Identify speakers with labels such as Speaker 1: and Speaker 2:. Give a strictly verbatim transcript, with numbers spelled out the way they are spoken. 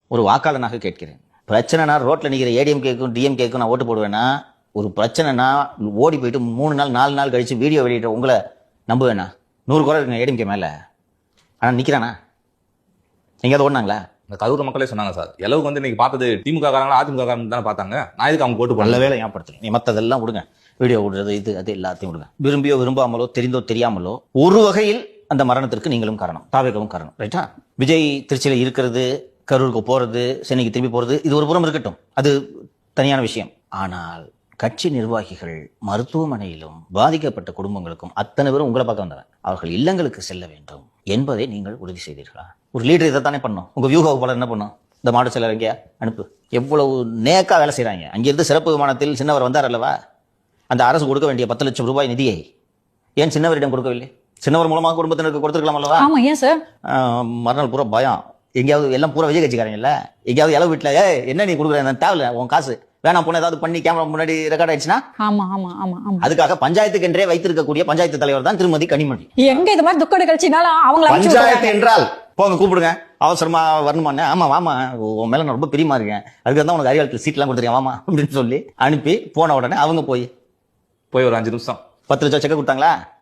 Speaker 1: ஒரு வாக்காளனாக கேட்கிறேன். பிரச்சனைனா ரோட்ல நிக்கிற ஏடிஎம்கேக்கும் டிஎம்கேக்கும் நான் ஓட்டு போடுவேன்னா, ஒரு பிரச்சனைனா ஓடி போயிட்டு மூணு நாள் நாலு நாள் கழிச்சு வீடியோ வெளியிட்ட உங்களை நம்புவேனா? நூறு குறை இருக்குங்க ஏடிஎம்கே மேல. ஆனா நிக்கிறானா? எங்கேயாவது ஓடினாங்களா?
Speaker 2: இந்த கரூர் மக்களே சொன்னாங்க சார், எளவுக்கு வந்து இன்னைக்கு பார்த்தது திமுக காரங்களா அதிமுக காரங்க தானே பார்த்தாங்க. நான் இதுக்கு அவங்க ஓட்டு
Speaker 1: நல்ல
Speaker 2: பண்ணல.
Speaker 1: வேலை ஞாபகப்படுத்தணும். நீ மற்றதெல்லாம் விடுங்க, வீடியோ விடுறது இது அது எல்லாத்தையும் விடுங்க. விரும்பியோ விரும்பாமலோ தெரிந்தோ தெரியாமலோ ஒரு வகையில் அந்த மரணத்திற்கு நீங்களும் காரணம், தாவேகவும் காரணம். ரைட்டா? விஜய் திருச்சியில இருக்கிறது, கரூருக்கு போறது, சென்னைக்கு திரும்பி போறது, இது ஒரு புறம் இருக்கட்டும், அது தனியான விஷயம். ஆனால் கட்சி நிர்வாகிகள் மருத்துவமனையிலும் பாதிக்கப்பட்ட குடும்பங்களுக்கும் அத்தனை பேரும் உங்களை பார்க்க வந்தவன், அவர்கள் இல்லங்களுக்கு செல்ல வேண்டும் என்பதை நீங்கள் உறுதி செய்தீர்களா? ஒரு லீடர் இதைத்தானே பண்ணும். உங்க வியூக வகுப்பாளர் என்ன பண்ணும்? இந்த மாடு செல்லர் எங்கேயா அனுப்பு. எவ்வளவு நேக்கா வேலை செய்யறாங்க. அங்கிருந்து சிறப்பு விமானத்தில் சின்னவர் வந்தார் அல்லவா? அந்த அரசு கொடுக்க வேண்டிய பத்து லட்சம் ரூபாய் நிதியை ஏன் சின்னவரிடம் கொடுக்கவில்லை? சின்னவர் மூலமாக குடும்பத்தினருக்கு கொடுத்துருக்கலாம் அல்லவா?
Speaker 3: ஆமா, ஏன் சார்?
Speaker 1: மறுநாள் பூரா பயம். எங்கேயாவது எல்லாம் பூரா விஜய் கட்சிக்காரங்கல்ல, எங்கேயாவது இளவு வீட்டுல ஏ என்ன நீ கொடுக்குற தேவையில்ல, உன் காசு வேணாம் போன ஏதாவது பண்ணி கேமரா முன்னாடி ரெக்கார்ட் ஆயிடுச்சுன்னா,
Speaker 3: ஆமா ஆமா ஆமா ஆமா
Speaker 1: அதுக்காக பஞ்சாயத்துக்கு என்றே வைத்திருக்கக்கூடிய பஞ்சாயத்து தலைவர் தான் திருமதி கனிமொழி.
Speaker 3: எங்க இது மாதிரி துக்க நிகழ்ச்சினால அவங்கள அனுப்பிச்சு
Speaker 1: பஞ்சாயத்து
Speaker 3: விட்டுறாங்க.
Speaker 1: என்றால் போங்க கூப்பிடுங்க, அவசரமா வரணுமான்னு. ஆமா வாமா, உன் மேல நான் ரொம்ப பிரியமா இருக்கேன், அதுக்கு தான் உனக்கு அறிவாளத்தில் சீட் எல்லாம் கொடுத்துருக்கேன் வாமா அப்படின்னு சொல்லி அனுப்பி போன உடனே அவங்க போய்
Speaker 2: போய் ஒரு அஞ்சு நிமிஷம்
Speaker 1: பத்து லட்சம் செக்க கொடுத்தாங்களா?